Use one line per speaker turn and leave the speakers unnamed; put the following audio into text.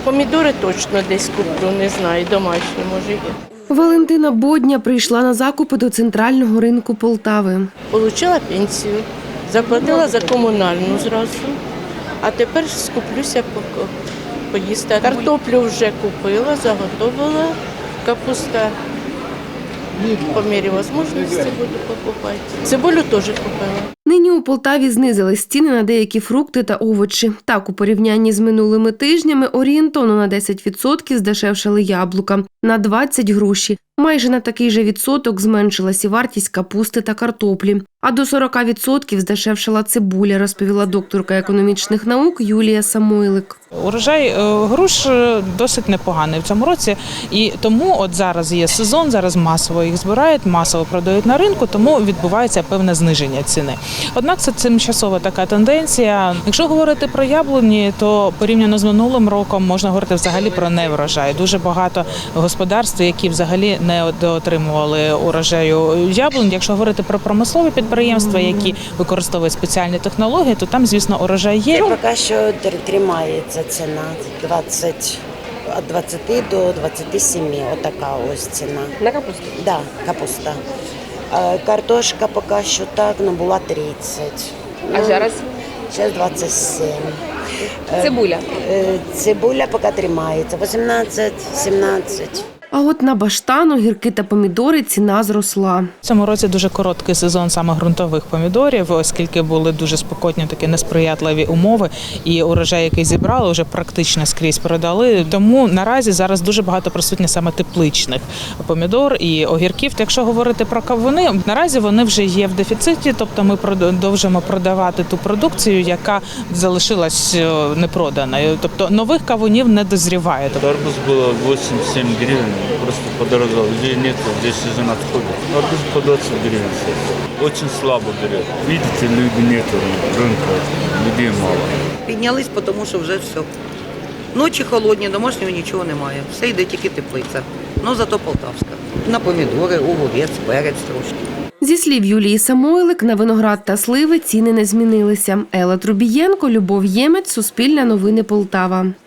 Помідори точно десь куплю, не знаю, домашні, може є.
Валентина Бодня прийшла на закупи до центрального ринку Полтави.
Получила пенсію, заплатила за комунальну зразу, а тепер скуплюся поїсти. Картоплю вже купила, заготовила, капуста. По мірі можливості буду покупати. Цибулю теж купила.
Нині у Полтаві знизили ціни на деякі фрукти та овочі. Так, у порівнянні з минулими тижнями орієнтовно на 10% здешевшали яблука, на 20 – груші. Майже на такий же відсоток зменшилась і вартість капусти та картоплі. А до 40% здешевшала цибуля, розповіла докторка економічних наук Юлія Самойлик.
Урожай груш досить непоганий в цьому році, і тому от зараз є сезон, зараз масово їх збирають, масово продають на ринку, тому відбувається певне зниження ціни. Однак це тимчасова така тенденція. Якщо говорити про яблуні, то порівняно з минулим роком можна говорити взагалі про неврожай. Дуже багато господарств, які взагалі не отримували урожаю яблунь. Якщо говорити про промислові підприємства, які використовують спеціальні технології, то там, звісно, урожай є.
Поки що тримається ціна від 20 до 27, отака ось ціна.
На капусту?
Так, да, капуста. Картошка поки що так, була 30.
А зараз?
Зараз 27.
Цибуля?
Цибуля поки тримається, 18-17.
А от на баштан, огірки та помідори ціна зросла.
В цьому році дуже короткий сезон саме ґрунтових помідорів, оскільки були дуже спекотні, такі несприятливі умови, і урожай, який зібрали, вже практично скрізь продали. Тому наразі зараз дуже багато присутні саме тепличних помідор і огірків. Якщо говорити про кавуни, наразі вони вже є в дефіциті, тобто ми продовжуємо продавати ту продукцію, яка залишилась непроданою. Тобто нових кавунів не дозріває.
Арбуз було 8-7 гривень. Просто подорожал. Людей нет, здесь сезон отходит. Арбуз по 20 гривен сейчас. Очень слабо берет. Видите, людей нет рынка, людей мало.
Піднялись, тому що вже все. Ночі холодні, домашнього нічого немає. Все йде тільки теплиця. Ну зато полтавська. На помідори, огурець, перець трошки.
Зі слів Юлії Самойлик, на виноград та сливи ціни не змінилися. Елла Трубієнко, Любов Ємець, Суспільне новини Полтава.